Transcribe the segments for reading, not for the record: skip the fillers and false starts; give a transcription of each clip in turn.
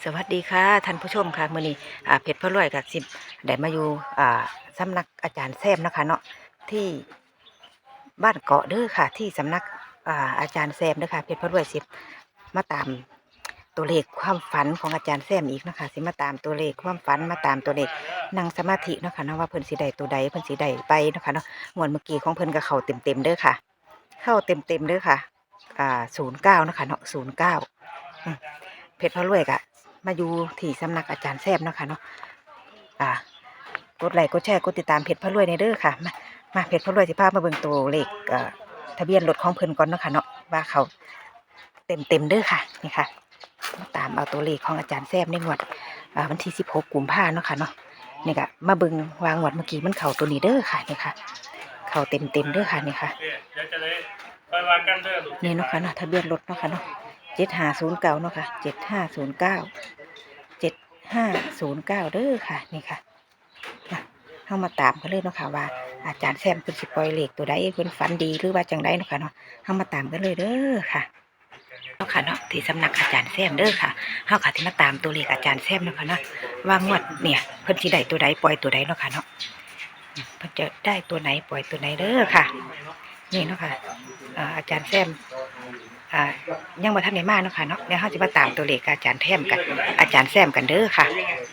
สวัสดีค่ะท่านผู้ชมค่ะมื้อนี้เพชรพระรวยกับสิบได้มาอยู่สำนักอาจารย์แซมนะคะเนาะที่บ้านเกาะเด้อค่ะที่สำนักอาจารย์แซมเด้อค่ะเพชรพระรวยสิบมาตามตัวเลขความฝันของอาจารย์แซมอีกนะคะสิมาตามตัวเลขความฝันมาตามตัวเลขนั่งสมาธิเนาะค่ะเนาะว่าเพิ่นสิได้ตัวใดเพิ่นสิได้ไปเนาะค่ะเนาะงวดเมื่อกี้ของเพิ่นก็เข้าเต็มเด้อค่ะเข้าเต็มเด้อค่ะ09เนาะค่ะเนาะ09เพชรพระรวยกะ มาอยู่ที่สำนักอาจารย์แซมเนาะค่ะเนาะกดไลค์กดแชร์กดติดตามเพจพระรวยในเด้อค่ะมาเพจพระรวยสิพามาเบิ่งตัวเลขทะเบียนรถของเพิ่นก่อนเนาะค่ะเนาะว่าเขาเต็มเด้อค่ะนี่ค่ะมาตามเอาตัวเลขของอาจารย์แซมในงวดวันที่16กุมภาพันธ์เนาะค่ะเนาะนี่ก็มาเบิ่งวางงวดเมื่อกี้มันเข่าตัวนี้เด้อค่ะนี่ค่ะเข่าเต็มเด้อค่ะนี่ค่ะนี่เนาะค่ะเนาะทะเบียนรถเนาะค่ะเนาะ7509เนาะค่ะ7509เด้อค่ะนี่ค่ะเข้ามาตามกันเลยเนาะค่ะว่าอาจารย์แซมเพิ่นสิปล่อยเลขตัวใดเพิ่นฝันดีหรือว่าจังไดเนาะค่ะเนาะเข้ามาตามกันเลยเด้อค่ะเนาะค่ะเนาะที่สำนักอาจารย์แซมเด้อค่ะเฮาค่ะที่มาตามตัวเลขอาจารย์แซมเนาะค่ะเนาะว่างวดเนี่ยเพิ่นสิได้ตัวใดปล่อยตัวใดเนาะค่ะเนาะเพิ่นจะได้ตัวไหนปล่อยตัวไหนเด้อค่ะนี่เนาะค่ะอาจารย์แซมยังบ่ทันได้มาเนาะค่ะเนาะเดี๋ยวเฮาสิมาตามตัวเลขอาจารย์แซมกันอาจารย์แซมกันเด้อค่ะ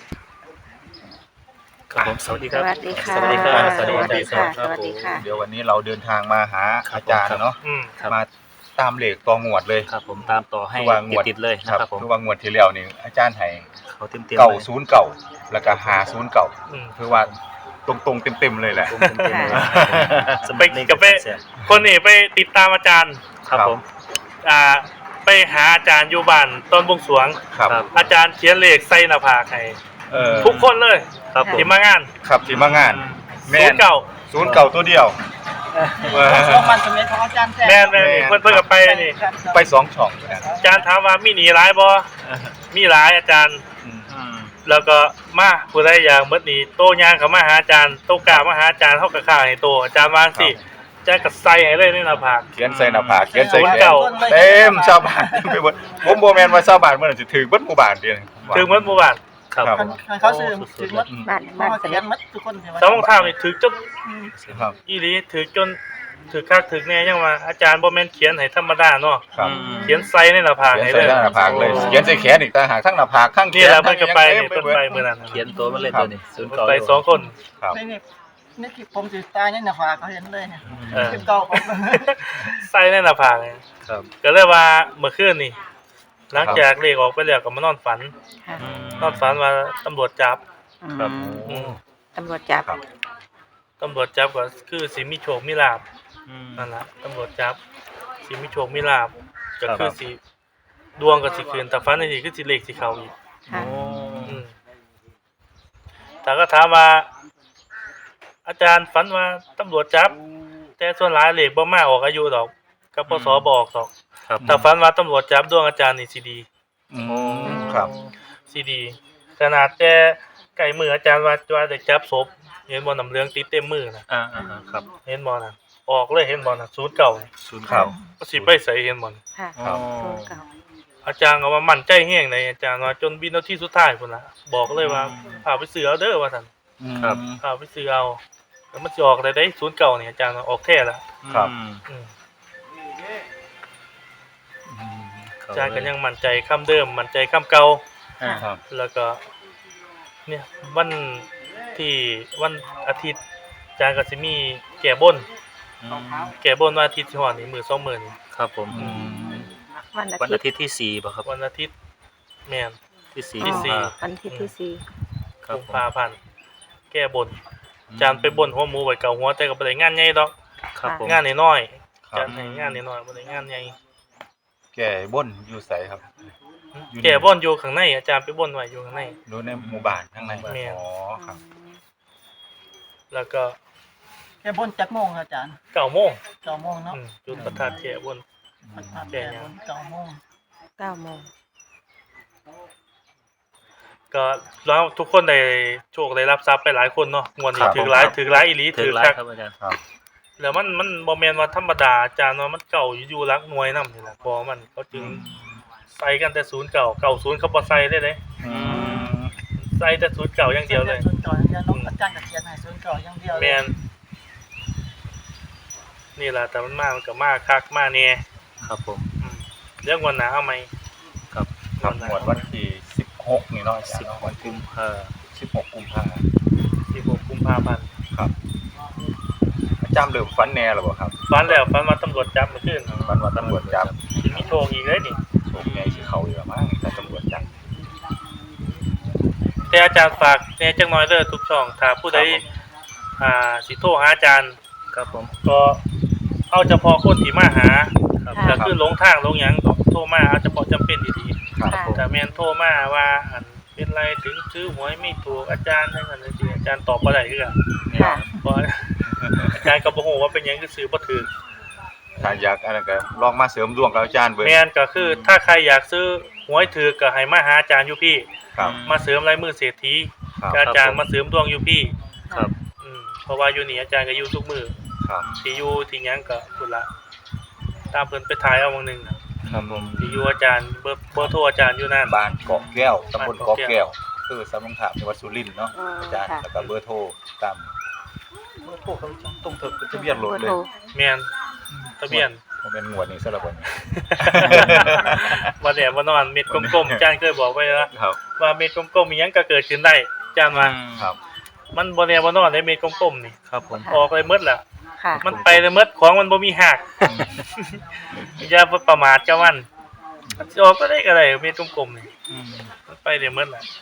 ครับผมสวัสดีครับสวัสดีค่ะสวัสดีครับสวัสดีค่ะสวัสดีค่ะเดี๋ยววันนี้เราเดินทางมาหาอาจารย์เนาะครับมาตามเลขต่องวดเลยครับผมตามต่อให้คือว่างวดติดๆเลยนะครับผมคือว่างวดที่แล้วนี่อาจารย์ให้เขาเต็มๆเก่าเลยศูนย์เก่าแล้วก็หาศูนย์เก่าอืมคือว่าตรงๆเต็มๆเลยแหละผมเต็มๆเลยสเปกกับไปคนนี้ไปติดตามอาจารย์ครับผมไปหาอาจารย์อยู่บ้านต้นบวงสรวงครับครับอาจารย์เขียนเลขใส่หน้าผากให้เทุกคนเลยครับผมที่มางานครับที่มางานแม่ศูนย์เก่าศูนย์เก่าตัวเดียวช่วงวันสมัยของอาจารย์แท้แม่นนี่เพิ่นกับไปนี่ไปสองช่องนะอาจารย์ถามว่ามีหนีหลายบ่มีหลายอาจารย์อืมอืมแล้วก็มาผู้ใดอยากหมดหนีโตย่างเข้ามาหาอาจารย์โตกล้ามาหาอาจารย์เฮาก็ค่าให้โตอาจารย์วางสิอาจารย์ก็ใส่ให้เลยในหน้าผากเขียนใส่หน้าผากเขียนใส่ศูนย์แขนเก่าเต็มชาวบ้านไปหมดผมโบแมนว่าชาวบ้านมันจะถือเบิดหมู่บ้านเดียวถึงหมดหมู่บ้านครับครับผมเขาซื้อถึงมัดบ้านเขาเสเขีด็ยจนมัดทุกคนใช่ไหมสองข้าวนี่ถึกจนครับอีหลีถือจนถือคักถือแน่ยังว่าอาจารย์บ่แม่นเขียนให้ธรรมดาเนาะครับเขียนใส่ในหน้าผากเขียนให้ใส่เลยหน้าผากเลยเขียนใส่แขนอีกต่างหากทั้งหน้าผากทั้งแขนี่นแหละเพิ่นก็ไปทั้นี่งเพิ่นบิดไปมื้อนั้นเขียนตัวมันเลยตัวนี้ศูนย์เพิ่นเก่าไปสองคนครับนี่คลิปผมถือตายในหน้าผากเขาเห็นเลยเนี่ยเออคลิปเก่าผมใส่ในหน้าผากเลยครับก็เลยว่าเมื่อคืนนี่หลังจากเลขออกไปแล้วก็มานอนฝันค่ะอืมนอนฝันว่าตำรวจจับครับอืมตำรวจจับครับตำรวจจับก็คือสิมีโชคมีลาภอืมนั่นล่ะตำรวจจับสิมีโชคมีลาภก็ครับคือสิดวงก็สิคืนแต่ฝันในที่คือสิเลขสิเข้าอีกค่ะโอ้อืมแต่ก็ถามว่า อาจารย์ฝันว่าตำรวจจับ แต่ส่วนหลายเลขบ่มาออกอายุดอกกับปสบอกดอกครับถ้าฝันว่าตำรวจจับดวงอาจารย์นี่สิดีอืมครับสิดีขนาดแต่ไก่มืออาจารย์ว่าจะจับศพเห็นบ่น้ำเหลืองติดเต็มมือน่ะอ่าครับเห็นบ่น่ะออกเลยเห็นบ่น่ะศูนย์เก่าศูนย์ครัเก่าบก็สิไปใส่เห็นบ่น่ะค่ะครับศูนย์เก่าอาจารย์ก็ว่ามั่นใจแฮงในอาจารย์ว่าจนวินาทีสุดท้ายพุ่นล่ะบอกเลยว่าพาไปซื้อเอาเด้อว่าซั่นครับพาไปซื้อเอาแล้วมันสิออกได้ศูนย์เก่านี่อาจารย์ว่าออกแท้ละครับอืมอืมเข้อาจารย์ก็ยังมั่นใจคำเดิมมั่นใจคำเก่าอ่าครับแล้วก็เนี่ยวันที่วันอาทิตย์อาจารย์ก็สิมีแก้บนอืมแก้บนวันอาทิตย์ที่ฮอดนี่มื้อ2มื้อนี่ครับผมอืมวันอาวันทิอาตย์ทิตย์ที่สี่ป่ะครับวันอาทิตย์แม่นที่สี่ที่สี่วันอาทิตย์ที่สี่ครับกุมผมภาพันธ์แก้บนอาจารย์ไปบนหัวหมูไว้เก่าหัวแต่ก็บ่ได้งานใหญ่ดอกครับผมงานน้อยๆคอารัจาบรย์ให้งานน้อยๆบ่ได้งานใหญ่แก่บนอยู่ใสครับ อยู่แก้บนอยู่ข้างในอาจารย์ไปบนไว้อยู่ข้างในดูในหมู่บ้านข้างในแม่นอ๋อครับแล้วก็แค่บนจักโมงอาจารย์ 9:00น 9 โมงเนาะจุดประทัดแก้บนมันผ่านแค่บน9 โมง 9 โมงก็แล้วทุกคนได้โชคได้รับทรัพย์ไปหลายคนเนาะงวดนี้ครับถือหลายถือหลายอีหลีถึถืงอไลคักฟ์ครับอาจารย์ครับแล้วมันบ่แม่นว่าธรรมดาอาจารย์ว่ามันเก่าอยู่หลักหน่วยนำนี่ล่ะพอมันเขาจึงใส่กันแต่09 90เขาบ่ใส่เลยเด้อืมใส่แต่09อย่างเดียวเลยศูนย์เก่าอย่างเดียวน้องอาจารย์ก็เขียนให้ศูนย์เก่าอย่างเดียวเลยแม่นนี่ล่ะแต่มันก็มาคักมาแน่ครับผมเรื่องวันหน้าเอาไหมครับหมวดวันที่16นี่เนาะอาจารย์เนาะวันกุที่มภา 16กุมภาพันธ์ 16กุมภาพันธ์ครับอาจารย์เริ่มฝันแน่แล้วบ่ครับฝันแล้วฝันว่าตำรวจจับเมื่อคืนฝันว่าตำรวจจับสิมีโชคอีกเลยนี่โชคใหญ่สิเขาอยู่ละมั้งแต่ตำรวจจับแต่อาจารย์ฝากแหน่จักหน่อยเด้อทุกช่องถ้าผู้ใดสิโทรหาอาจารย์ครับผมก็เอาเฉพาะคนที่มาหาครับก็คือหลงทางหลงหยังก็โทรมาเอาเฉพาะจำเป็นดีครับค่ะผมๆแต่แม่นโทรมาว่าอันเป็นไรถึงซื้อหวยไม่ถูกอาจารย์จังซั่นจังซี่อาจารย์ตอบบ่ได้คือกันค่ะเพราะอาจารย์ก็บ่ฮู้ว่าเป็นหยังคือซื้อบ่ถูกถ้าอยากอันนั้นก็ลองมาเสริมดวงกับอาจารย์เบิ่งแม่นก็คือถ้าใครอยากซื้อหวยถูกก็ให้มาหาอาจารย์อยู่พี่ครับมาเสริมลายมือเศรษฐีครับกับอาจารย์มาเสริมดวงอยู่พี่ครับเพราะว่าอยู่นี่อาจารย์ก็อยู่ทุกมือครับที่อยู่ที่หยังก็พุ่นละตามเพิ่นไปถ่ายเอาบางหนึงน่ะครับผมที่อยู่อาจารย์เบอร์โทรอาจารย์อยู่นั่นบ้านเกาะแก้วตำบลบ้านเกาะเกาะแก้แก้ววคือสำนักข่าวจังหวัดสุรินทร์เนาะอาจารย์ค่ะแล้วก็เบอร์โทรตามเบอร์โทรเขาต้องถึกเป็นทะเบียนรถเลยแม่นทะเบียนบ่แม่นงวดนี้ซะละบ่นี่บ่แน่บ่นอนเม็ดกลมๆอาจารย์เคยบอกไว้แล้วครับว่าเม็ดกลมๆมีหยังก็เกิดขึ้นได้อาจารย์ว่าครับมันบ่แน่บ่นอนได้เม็ดกลมๆนี่ครับผมออกเลยหมดแล้วค่ะมันไปเลยหมดของมันบ่มีหักอย่าประมาทกับมันสิออกก็ได้ก็ได้เม็ดกลมๆนี่อืมมันไปได้หมดแหละ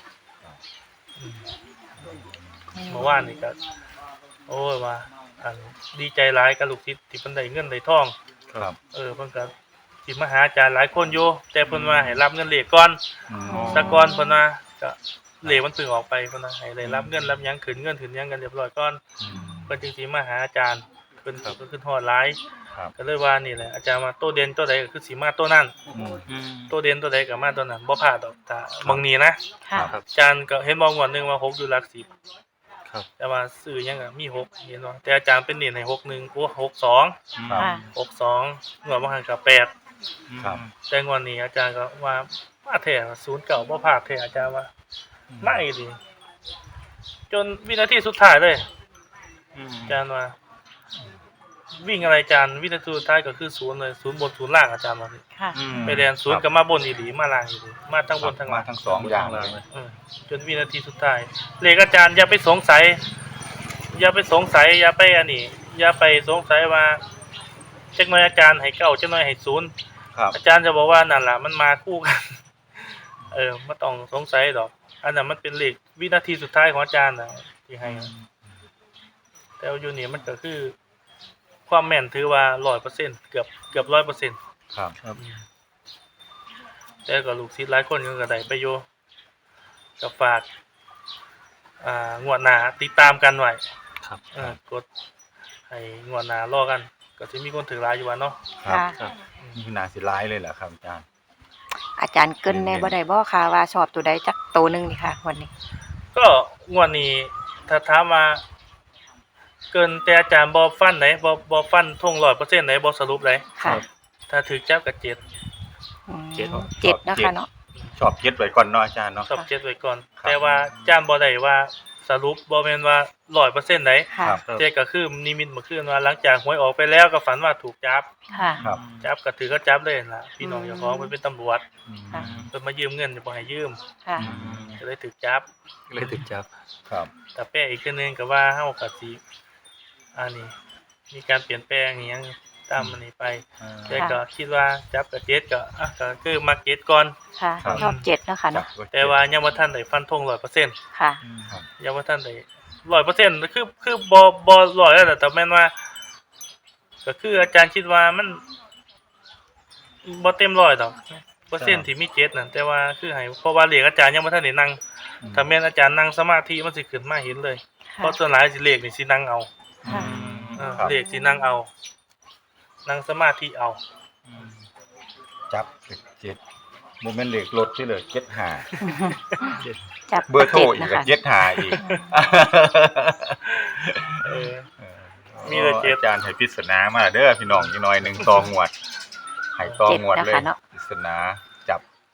เมื่อวานนี่ก็โอ้ยว่าอันดีใจหลายกับลูกศิษย์ที่เพิ่นได้เงินได้ทองครับเพิ่นก็สิมาหาอาจารย์หลายคนอยู่แต่เพิ่นว่าให้รับเงินเลขก่อนอืมซะก่อนเพิ่นว่าก็เลขมันเพิ่งออกไปเพิ่นว่าให้ได้รับเงินรับหยังขึ้นเงินขึ้นหยังกันเรียบร้อยก่อนเพิ่นจึงสิมาหาอาจารย์เพิ่นก็ขึ้นฮอดหลายครับก็เลยว่านี่แหละอาจารย์ว่าโตเด่นตัวใดก็คือสิมาตัวนั้นอืมอืมโตเด่นตัวใดก็มาตัวนั้นบ่พลาดดอกถ้าบางนี้นะค่ะครับอาจารย์ก็เห็นบ่งวดหนึงว่า6อยู่หลัก10 ครับแต่ว่าซื้อหยังก็มี6เห็นบ่แต่อาจารย์เป็นเน้นให้61โอ้62 ครับค่ะ 62งวดบ่หันก็8 ครับแต่งวดนี้อาจารย์ก็ว่ามาแท้09บ่พลาดแท้อาจารย์ว่ามาอีหลีจนวินาทีสุดท้ายเลยอืมอาจารย์ว่าวิ่งอะไรอาจารย์วินาทีสุดท้ายก็คือ0เลย0บน0ล่างอาจารย์ว่านี่ค่ะอืมไปเรียน0ก็มาบนอีหลีมาล่างอีหลีมาทั้งบนทั้งมาล่างทั้งสองอย่างเลยจนวินาทีสุดท้ายเลขอาจารย์อย่าไปสงสัย อย่าไปสงสัย อย่าไปอันนี้ อย่าไปสงสัยว่าจักหน่อยอาจารย์ให้เก้าจักหน่อยให้0 ครับอาจารย์จะบอกว่านั่นล่ะมันมาคู่กัน ไม่ต้องสงสัยดอก อันนั้นมันเป็นเลขวินาทีสุดท้ายของอาจารย์น่ะที่ให้ แต่ว่าอยู่นี่มันก็คือ ความแม่นถือว่า 100% เกือบ 100% ครับครับแต่ก็ลูกศิษย์หลายคนก็ได้ไปอยู่ก็ฝากงวดหน้าติดตามกันไว้ครับกดให้งวดหน้ารอกัน ก็สิมีคนถือหลายอยู่ว่าเนาะครับค่ะครับนี่คือนาสิร้ายเลยเหรอครับอาจารย์อาจารย์เกินในบ่ได้บ่ค่ะว่าชอบตัวใดจักตัวหนึงนี่ค่ะวันนี้ก็งวดนี้ถ้าถามว่าเกินแต่อาจารย์บ่ฟันไหนบ่ฟันทง 100% ไหนบ่สรุปไหนค่ะถ้าถือจับก็7 อืมเจ็ดเจ็ดเนาะค่ะเนาะชอบเย็ดไว้ก่อนเนาะอาจารย์เนาะชอบ7ไว้ก่อนครับแต่ว่าอาจารย์บ่ได้ว่าสรุปบ่แม่นว่า 100% ไหนค่ะครับแต่ก็คือนิมิตเมื่อคืนว่าหลังจากหวยออกไปแล้วก็ฝันว่าถูกจับค่ะครับจับก็ถือก็จับเลยล่ะพี่น้องเจ้าของเพิ่นเป็นตำรวจอืมค่ะเพิ่นมายืมเงินบ่ให้ยืมค่ะก็เลยถูกจับก็เลยถึงจับครับแต่แป้อีกคือนึงก็ว่าเฮาก็สิอันนี้มีการเปลี่ยนแปลงอิหยังตามมันนี้ไปแต่ก็คิดว่าจับกับเจ็ดก็คือมาเก็ตก่อนค่ะครับชอบเจ็ดเนาะค่ะเนาะแต่ว่ายังบ่ทันได้ฟันธง 100% ค่ะครับยังบ่ทันได้ 100% คือบ่100แล้วแต่แม่นว่า ก็คืออาจารย์คิดว่ามันบ่เต็ม100ดอกเปอร์เซ็นต์ที่มี7นั่นแต่ว่าคือให้เพราะว่าเลขอาจารย์ยังบ่ทันได้นั่งถ้าแม่นอาจารย์นั่งสมาธิมันสิขึ้นมาเห็นเลยเพค่ะราะส่วนหลายสิเลขนี่สินั่งเอาค่ะครับเลขสินั่งเอา นั่งสมาธิเอาจับเจ็ดโมเมนต์เหล็กรถที่เลยเจ็ดหาจับเบอร์โทรอีกนะกับคะเจ็ดหาอีกเออ มีมีแต่เจ็ดอาจารย์ให้ปริศนามาเด้อพี่น้องอีกหน่อยหนึ่งตองวดให้ตองวดเลยเจ็ดนะคะเนาะปริศนาจับ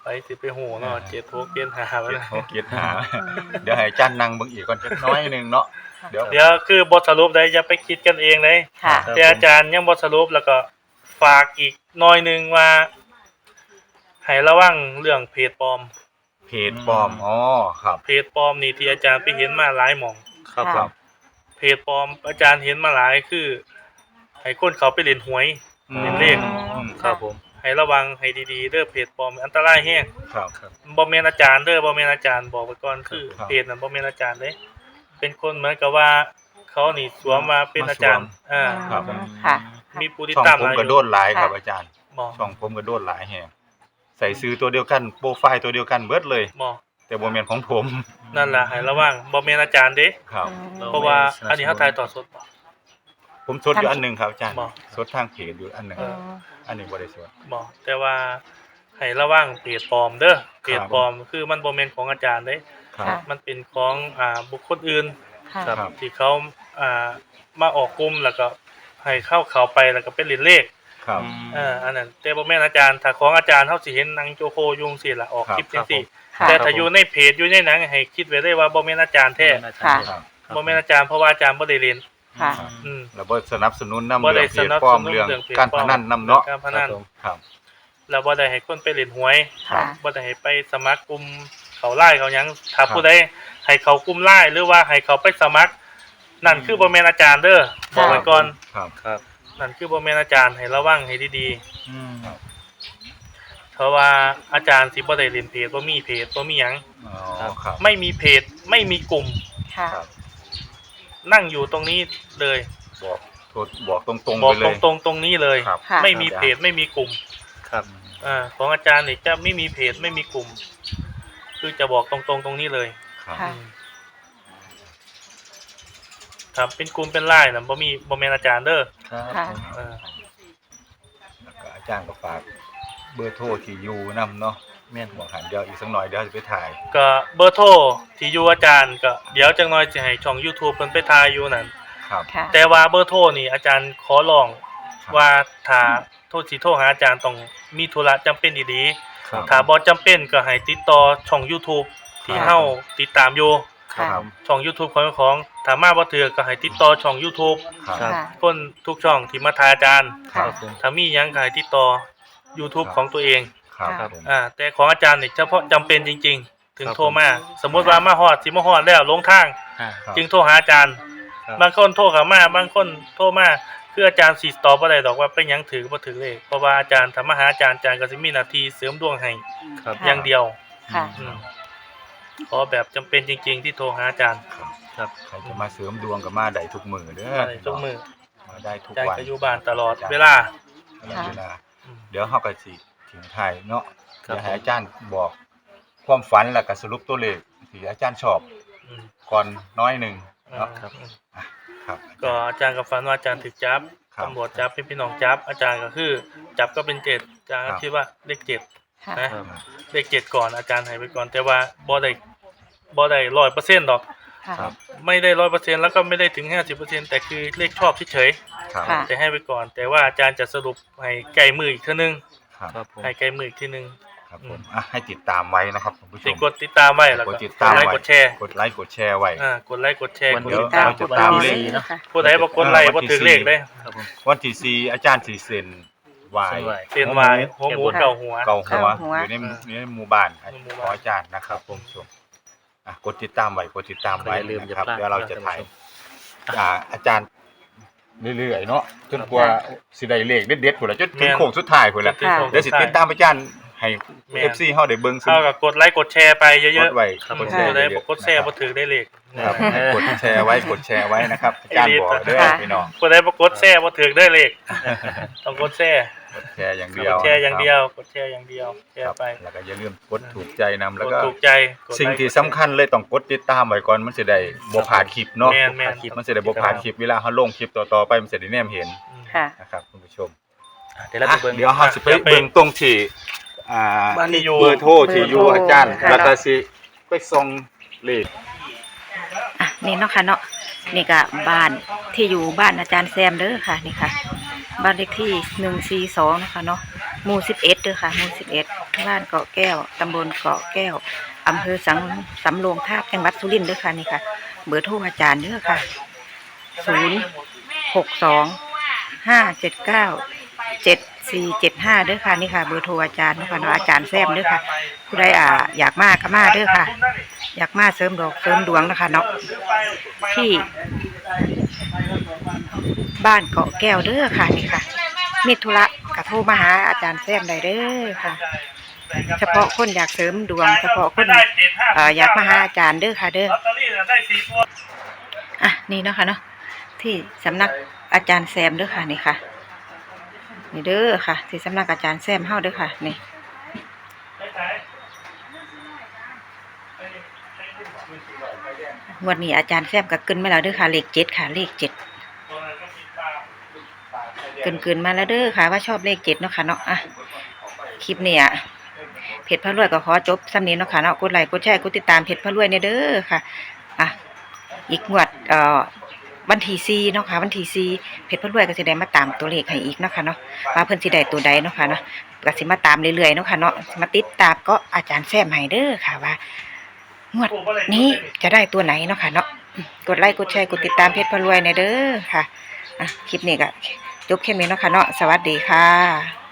ไปสิไปโหเนาะ7 6เกณฑ์หาไว้นะเขาเกียรหา เดี๋ยวให้อาจารย์นั่งเบิ่งอีกก่อนจักหน้อยหนึงเนาะเดี๋ยวเดี๋ยวคือบทสรุปได้อย่าไปคิดกันเองเลยค่ะแต่อาจารย์ยังบทสรุปแล้วก็ฝากอีกหน่อยหนึงว่าให้ระวังเรื่องเพจปลอมเพจปลอมอ๋อครับเพจปลอมนี่ที่อาจารย์ไปเห็นมาหลายหม่องครับผค่ะมเพจปลอมอาจารย์เห็นมาหลายคือให้คนเขาไปเล่นหวย เป็นเลขครับผมให้ระวังให้ดีๆเด้อเพจปลอมอันตรายแฮงครับบ่แม่นอาจารย์เด้อบ่แม่นอาจารย์บอกไว้ก่อนคือครับเพจนั้นบ่แม่นอาจารย์เด้เป็นคนเหมือนกับว่าเขานี่สวมมาเป็นอาจารย์อ่าครับค่ะมีผู้ติดช่องตามผมหลายก็โดนหลายครับอาจารย์บ่ช่องผมก็โดนหลายแฮงใส่ซื้อตัวเดียวกันโปรไฟล์ตัวเดียวกันเบิดเลยบ่แต่บ่แม่นของผมนั่นล่ะให้ระวังบ่แม่นอาจารย์เด้ครับเพราะว่าอันนี้เฮาถ่ายต่อสดบ่ผมสดอยู่อันหนึงครับอาจารย์บ่สดทางเพจอยู่อันหนึงอืมอันนี้บ่ได้สดบ่แต่ว่าให้ระวังเพจปลอมเด้อเพจปลอมคือมันบ่แม่นของอาจารย์เด้ครับค่ะมันเป็นของบุคคลอื่นค่ะครับที่เขามาออกกลุ่มแล้วก็ให้เข้าไปแล้วก็เป็นเหรียญเลขครับอันนั้นแต่บ่แม่นอาจารย์ถ้าของอาจารย์เฮาสิเห็นหนังโจโคยุงสิล่ะออกคลิปจังซี่ค่ะแต่ถ้าอยู่ในเพจอยู่ในหนังให้คิดไว้เลยว่าบ่แม่นอาจารย์แท้ค่ะครับบ่แม่นอาจารย์เพราะว่าอาจารย์บ่ได้เรียนค่ะอืมแล้วบ่สนับสนุนนำบ่เรื่ได้องเพสจนับปลอสมนุนเรื่องเรื่องเพจการพนันนำเนาะการพนันครับแล้วบ่ได้ให้คนไปเล่นหวยค่ะบ่ได้ให้ไปสมัครกลุ่มเขาไล่เขาหยังถ้าครับผู้ใดให้เขากลุ่มไล่หรือว่าให้เขาไปสมัคร นั่นคือบ่แม่นอาจารย์เด้อบอกไว้ก่อนครับครับนั่นคือบ่แม่นอาจารย์ให้ระวังให้ดีอืมๆเพราะว่าอาจารย์สิบ่ได้เล่นเพจบ่มีเพจบ่มีหยังอ๋อครับไม่มีเพจไม่มีกลุ่มค่ะครับนั่งอยู่ตรงนี้เลยบอกโทษบอกตรงๆบอกไปเลยตรงๆนี้เลยครับค่ะไม่มีเพจไม่มีกลุ่มครับของอาจารย์นี่จะไม่มีเพจไม่มีกลุ่ม คือจะบอกตรงๆตรงนี้เลยครับค่ะครับเป็นกลุ่มเป็นไลน์นะบ่แม่นอาจารย์เด้อครับค่ะผมเออแล้วก็อาจารย์ก็ฝากเบอร์โทรที่อยู่นำเนาะแม่นบอกหันเดี๋ยวอีกสักหน่อยเดี๋ยวจะไปถ่ายก็เบอร์โทรที่อยู่อาจารย์ก็เดี๋ยวจังน้อยสิให้ช่อง YouTube เพิ่นไปถ่ายอยู่นั่นครับค่ะแต่ว่าเบอร์โทรนี่อาจารย์ขอร้องครับว่าถ้าโทรสิโทรหาอาจารย์ต้องมีธุระจำเป็นดีครับๆถ้าบ่จำเป็นก็ให้ติดต่อช่อง YouTube ที่ครับเฮาติดตามอยู่ค่ะครับช่อง YouTube ของถ้ามาบ่ถือก็ให้ติดต่อช่อง YouTube ครับครับค่ะคนทุกช่องที่มาถ่ายอาจารย์ครัค่ะบผมถ้ามีหยังก็ให้ติดต่อ YouTube ของตัวเองครับครับผมแต่ของอาจารย์นี่เฉพาะจำเป็นจริง ๆ ถึงครับโทรมาสมมุติว่ามาฮอดสิมาฮอดแล้วลงทางอ่าครับจึงโทรหาอาจารย์ครับบางคนโทรเข้ามาบางคนโทรมาคืออาจารย์สิตอบบ่ได้ดอกว่าเป็นหยังถือบ่ถือเลขเพราะว่าอาจารย์ถ้ามาหาอาจารย์ก็สิมีหน้าที่เสริมดวงให้ครับค่ะอย่างเดียวค่ะอืมขอแบบจำเป็นจริง ๆ ที่โทรหาอาจารย์ครับใครจะมาเสริมดวงกับมาได้ทุกมือเด้อมาได้ทุกมื้อมาได้ทุกอาจารย์วันก็อยู่บ้านตลอดเวลาตลอดเวลาอืมเดี๋ยวเฮาก็สิถึงท้ายเนาะครับเดี๋ยวให้อาจารย์บอกความฝันแล้วก็สรุปตัวเลขที่อาจารย์ชอบอืมก่อนน้อยหนึงเนาะครับครับก็อาจารย์กับฝันว่าอาจารย์ถูกจับครับตำรวจจับพี่น้องจับ อาจารย์ก็คือ จับก็เป็น7อาจารย์ก็ครับคิดว่าเลข7 ค่ะนะครับ เลข7ก่อนอาจารย์ให้ไปก่อนแต่ว่าบ่ได้100%ดอกค่ะครับไม่ได้100%แล้วก็ไม่ได้ถึง50%แต่คือเลขชอบเฉยครับค่ะๆแต่ให้ไปก่อน แต่ว่าอาจารย์จะสรุปให้ใกล้มืออีกเทื่อนึงครับครับผมให้ใกล้มืออีกทีนึงครับผมให้ติดตามไว้นะครับคุณผู้ชสิมกดติดตามไว้แล้วก็กดติดกตาดมไลค์ไว้กดแชร์กดไลค์กดแชร์ไว้กดไลค์กดแชร์วันกดเดียวติดตามจะตามเลขนะคะผู้ใดบ่กดไลค์บ่ถึงเลขเด้ครับผมวันที่ 4อาจารย์สิเซ็นไหวายเส้นไหว้เส้นวายหัวหมูเก่าหัวเก่าหัวเก่าหัวอยู่ในหมู่บ้านในหมู่ขบ้านออาจารย์นะครับคุณผู้ชมกดติดตามไว้กดติดตามไว้อย่าลืมนะครับอย่าพลาดเดี๋ยวเราจะถ่ายท่านผู้ชอาจารย์เรื่อยๆเนาะจนกว่าสิได้เลขเด็ดๆพุ่นละจนถึงแม่นโค้งสุดท้ายพุ่นละจนถึงโค้งเดี๋ยวสิติดตามอาจารย์ให้แม่น FC เฮาได้เบิ่งเท่ากับกดไลค์กดแชร์ไปเยกอะดไว้ๆกดแชร์ผู้ใดเยบ่อะๆกดแชร์บ่ถึงได้เลขครับกดแชร์ไว้กดแชร์ไว้นะครับอาจารย์บอกเด้อค่ะพี่น้องผู้ใดบ่กดแชร์บ่ถึงได้เลขต้องกดแชร์กดแชร์อย่างเดีกยวดแชร์อย่างเดียวกดแชร์อย่างเดียวแชครัร์บไปแล้วก็อย่าลืมกดถูกใจนำแล้วกดก็ถูกใจกดไลค์สิ่งที่สำคัญเลยต้องกดติดตามไว้ก่อนมันสิได้บ่พลาดคลิปเนาะแม่นมันสิได้บ่พลาดคลิปเวลาเฮาลงคลิปต่อๆไปมันสิได้แนมเห็นอืมค่ะนะครับคุณผู้ชมเดี๋ยวเราไปเบิ่งเดี๋ยวเฮาสิไปเดี๋ยวไปเบิ่งตรงที่บ้านที่อยู่เบอร์โทรที่อยู่เบอร์โทรอาจารย์ค่ะแล้วก็สิไปส่งเลขนี่เนาะค่ะเนาะนี่ก็บ้านที่อยู่บ้านอาจารย์แซมเด้อค่ะนี่ค่ะ บ้านเลขที่142นะคะเนาะหมู่11เด้อค่ะหมู่11บ้านเกาะแก้วตำบลเกาะแก้วอำเภอสำโรงทาบจังหวัดสุรินทร์เด้อค่ะนี่ค่ะเบอร์โทรอาจารย์เด้อค่ะ062-579-7475เด้อค่ะนี่ค่ะเบอร์โทรอาจารย์เนาะค่ะเนาะอาจารย์แซมเด้อค่ะผู้ใดอยากมาก็มาเด้อค่ะอยากมาเสริมดอกเสริมดวงนะคะเนาะที่บ้านเกาะแก้วเด้อค่ะนี่ค่ะมีธุระกระโทรมาหาอาจารย์แซมได้เด้อค่ะเฉพาะคนอยากเสริมดวงเฉพาะคนอยากมาหาอาจารย์เด้อค่ะเด้อลอตเตอรี่ได้4ตัวอ่ะนี่เนาะค่ะเนาะที่สำนักอาจารย์แซมเด้อค่ะนี่ค่ะนี่เด้อค่ะที่สำนักอาจารย์แซมเฮาเด้อค่ะนี่งวดนี้อาจารย์แซมก็เกินมาแล้วเด้อค่ะเลข7ค่ะเลข7เกินมาแล้วเด้อค่ะว่าชอบเลข7เนาะค่ะเนาะอ่ะคลิปนี้เพจพระรวยก็ขอจบซ้ำนี้เนาะค่ะเนาะกดไลค์กดแชร์กดติดตามเพจพระรวยเนี่ยเด้อค่ะอ่ะอีกงวดวันที่4เนาะค่ะวันที่4เพจพระรวยก็สิได้มาตามตัวเลขให้อีกเนาะค่ะเนาะว่าเพิ่นสิได้ตัวใดเนาะค่ะเนาะก็สิมาตามเรื่อยๆเนาะค่ะเนาะมาติดตามก็อาจารย์แซมให้เด้อค่ะว่างวดนี้จะได้ตัวไหนเนาะค่ะเนาะกดไลค์กดแชร์กดติดตามเพจพระรวยเนี่ยเด้อค่ะอ่ะคลิปนี้ก็จบแค่นี้เนาะค่ะเนาะสวัสดีค่ะ